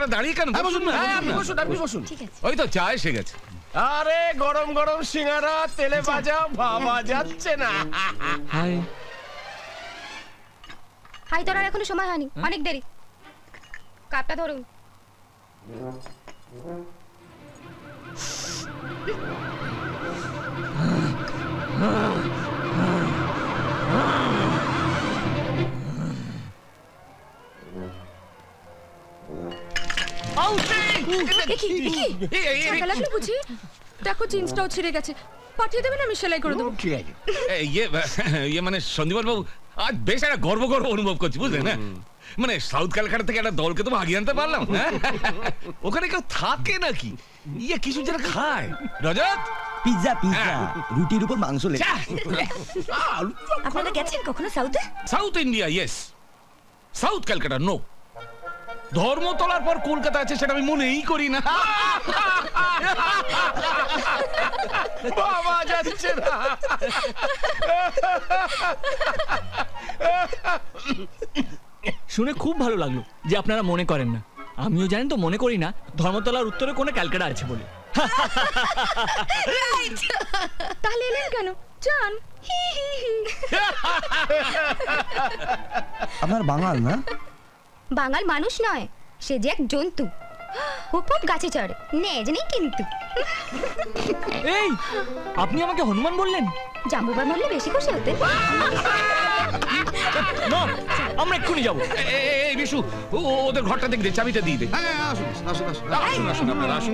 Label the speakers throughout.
Speaker 1: আপনারা দাঁড়িয়ে কেন? বসুন না,
Speaker 2: আপনি বসুন, আপনি বসুন।
Speaker 3: ঠিক আছে।
Speaker 1: ওই তো চা এসে গেছে।
Speaker 2: আরে গরম গরম সিঙ্গারা তেলে ভাজা ভাবা যাচ্ছে না।
Speaker 4: হাই।
Speaker 3: হাই, তোর আর এখনো সময় হয়নি, অনেক দেরি। কাপটা ধরুন।
Speaker 5: টাকা লাগলো বুঝি? দেখো জিন্সটাও ছিঁড়ে গেছে, পাঠিয়ে দেবেন, আমি সেলাই করে দেবো।
Speaker 2: ঠিক আছে।
Speaker 1: ইয়ে মানে সন্দীপন বাবু, আজ বেশ একটা গর্ব গর্ব অনুভব করছি, বুঝলেন না? মানে সাউথ ক্যালকাটা থেকে একটা দলকে তো ভাগিয়ে আনতে পারলাম। হ্যাঁ? ওখানে কেউ থাকে নাকি? ইয়ে কিছু যারা খায়। রজত,
Speaker 6: পিৎজা পিৎজা রুটির উপর মাংস লেগে।
Speaker 3: আপনারা গেছেন কখনো সাউথে?
Speaker 1: South India yes, south Calcutta no. ধর্মতলার পর কলকাতা আছে সেটা আমি মনেই করি না।
Speaker 2: ভাবা যাচ্ছে না।
Speaker 4: শুনে খুব ভালো লাগলো যে আপনারা মনে করেন না। আমিও জানেন তো মনে করি না ধর্মতলার উত্তরে কোনো ক্যালকাটা আছে বলে।
Speaker 5: তাহলে এলেন কেন? যান।
Speaker 6: আপনার বাঙাল না?
Speaker 3: বাঙাল মানুষ নয়, সে যে এক জন্তু। হুপ গাছে চড়ে, নেজ নেই কিন্তু।
Speaker 4: এই, আপনি আমাকে হনুমান বললেন?
Speaker 3: জাম্বুবার মরলে বেশি খুশি হতে।
Speaker 4: মম, আমরা এক্ষুনি যাবো।
Speaker 1: এই বিশু, ওদের ঘরটা দেখবে, চাবিটা দিয়ে দে। আসুন আপনারা আসুন।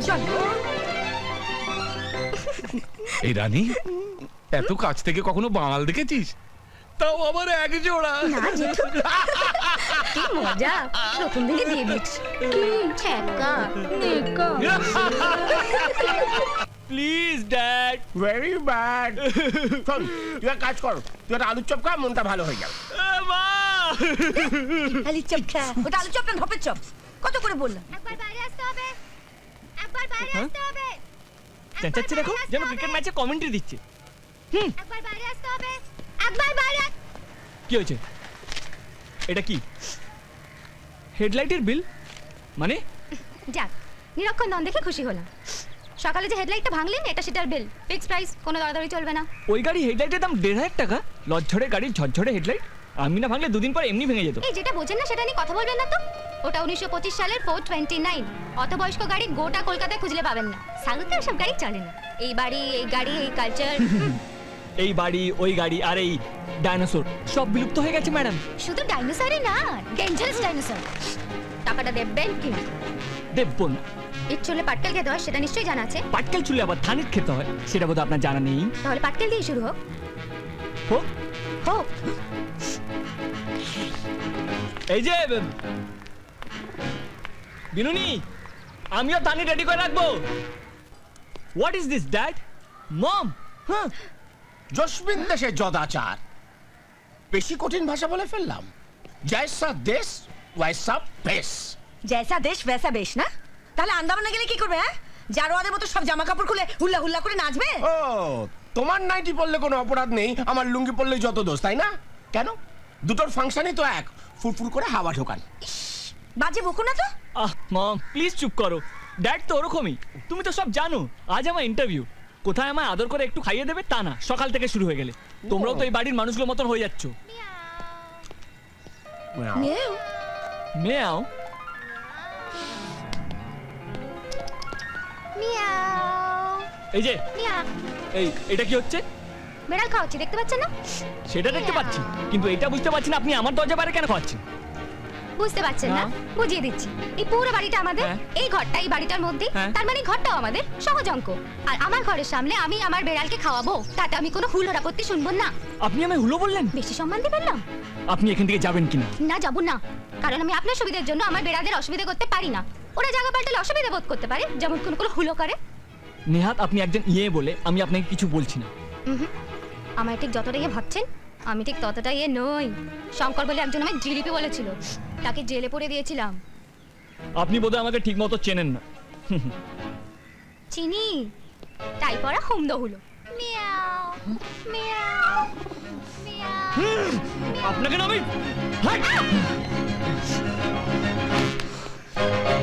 Speaker 1: এই রানী, এত কাছ থেকে কখনো বাঙাল দেখেছিস? তাও আবার এক জোড়া।
Speaker 3: না জেঠু, কি মজা, প্রথম দিকে দিয়ে দিচ্ছি। ছ্যাঁকা নেকা।
Speaker 4: Please dad.
Speaker 2: Very bad. শোন, তুই এক কাজ কর, তুই একটা আলুর চপ খা, মনটা ভালো হয়ে যাবে।
Speaker 4: মা,
Speaker 5: আলুর চপ খা। ওটা আলুর চপ না ধপের চপ? কত করে বললাম?
Speaker 3: একবার বাইরে আসতে হবে, একবার বাইরে আসতে হবে,
Speaker 4: চেঁচাচ্ছে দেখো, যেন ক্রিকেট ম্যাচে কমেন্ট্রি দিচ্ছে।
Speaker 3: একবার বাইরে আসতে হবে, একবার বাইরে।
Speaker 4: কি হয়েছে? এটা কি হেডলাইটের বিল? মানে
Speaker 3: যাক, নিরক্ষণ নন দেখে খুশি হলাম। সকালে যে হেডলাইটটা ভাঙলেন, এটা সেটার বিল, ফিক্স প্রাইস, কোনো দরদারি চলবে না।
Speaker 4: ওই গাড়ি হেডলাইটের দাম 1,500 টাকা? লজ্জরে গাড়ির ঝরঝরে হেডলাইট, আমি না ভাঙলে দুদিন পর এমনি ভেঙে যেত।
Speaker 3: এই যেটা বোঝেন না সেটা নিয়ে কথা বলবেন না তো। ওটা 1925 সালের 429। অত বয়স্ক গাড়ি গোটা কলকাতায় খুঁজলে পাবেন না। সাউথে ওসব গাড়ি চলে না। এই বাড়ি, এই গাড়ি, এই কালচার।
Speaker 4: এই বাড়ি, ওই গাড়ি আর এই ডাইনোসর সব বিলুপ্ত হয়ে গেছে ম্যাডাম।
Speaker 3: শুধু ডাইনোসরই না, ডেঞ্জারাস ডাইনোসর। টাকাটা দেবেন কি?
Speaker 4: দেবো না।
Speaker 3: এর চুলে পাটকেল খেতে হয়, সেটা নিশ্চয়ই জানা আছে।
Speaker 4: পাটকেল চুলে আবার ধানের খেতে হয়, সেটা বোধহয় আপনার জানা নেই।
Speaker 3: তাহলে পাটকেল দিয়ে শুরু হোক।
Speaker 4: হোক।
Speaker 3: হোক।
Speaker 4: এই যে বিনুনি, আমিও ধানি রেডি করে রাখবো। What is this dad? Mom, হ্যাঁ।
Speaker 2: জসমিন দেশে যদাচার। বেশি কঠিন ভাষা বলে ফেললাম। জয়সা দেশ ওয়াইসা বেশ।
Speaker 5: জয়সা দেশ ভেসা বেশ না? তাহলে আন্দামানে গেলে কি করবে? হ্যাঁ, জারোয়াদের মতো সব জামা কাপড় খুলে হুল্লা হুল্লা করে নাচবে?
Speaker 2: ও, তোমার নাইটি পরলে কোনো অপরাধ নেই, আমার লুঙ্গি পরলেই যত দোষ, তাই না? কেন? দুটোর ফাংশনই তো এক, ফুরফুর করে হাওয়া ঢোকান।
Speaker 5: বাজে বকো না তো।
Speaker 4: মম প্লিজ চুপ করো। ড্যাড তো ওরকমই, তুমি তো সব জানো। আজ আমার ইন্টারভিউ, কোথায় আমায় আদর করে একটু খাইয়ে দেবে তা না, সকাল থেকে শুরু হয়ে গেলে। তোমরাও তো এই বাড়ির মানুষগুলোর মতন হয়ে যাচ্ছ।
Speaker 5: মেও
Speaker 4: মেয়াও।
Speaker 3: মিয়াও
Speaker 4: এই যে
Speaker 3: মিয়াও।
Speaker 4: এটা কি হচ্ছে?
Speaker 3: বেড়াল খাওয়াচ্ছি, দেখতে পাচ্ছেন না?
Speaker 4: সেটা দেখতে পাচ্ছি, কিন্তু এটা বুঝতে পারছি না আপনি আমার দরজা বাইরে কেন খাওয়াচ্ছেন।
Speaker 3: বুঝতে পারছেন না?
Speaker 4: না।
Speaker 3: বুঝিয়ে দিচ্ছি। এই পুরো বাড়িটা আমাদের,
Speaker 4: হ্যাঁ।
Speaker 3: এই ঘরটা এই বাড়িটার মধ্যে,
Speaker 4: হ্যাঁ।
Speaker 3: তার মানে ঘরটাও আমাদের, সহজ অঙ্ক। আর আমার ঘরের সামনে আমি আমার বেড়ালকে খাওয়াবো, তাতে আমি কোনো হুল আপত্তি শুনবো না।
Speaker 4: আপনি আমায় হুলো বললেন?
Speaker 3: বেশি সম্মান দিয়ে ফেললাম?
Speaker 4: আপনি এখান থেকে যাবেন কিনা?
Speaker 3: না, যাবো না, কারণ আমি আপনার সুবিধার জন্য আমার বেড়াদের অসুবিধা করতে পারি না। ওরা জায়গা পাল্টালে অসুবিধা বোধ করতে পারে, যেমন কোন কোন হুলো করে।
Speaker 4: নেহাত আপনি একজন ইয়ে বলে আমি আপনাকে কিছু বলছি না।
Speaker 3: আমার ঠিক যতটা ইয়ে ভাবছেন, আমি ঠিক ততটা ইয়ে নই। শঙ্কর বলে একজন আমায় জিলিপি বলেছিল, তাকে জেলে পড়ে দিয়েছিলাম।
Speaker 4: আপনি বোধহয় আমাকে ঠিক মতো চেনেন না।
Speaker 3: চিনি, তাই পড়া হুমদ হলো। Meow meow meow.
Speaker 4: আপনাকে না আমি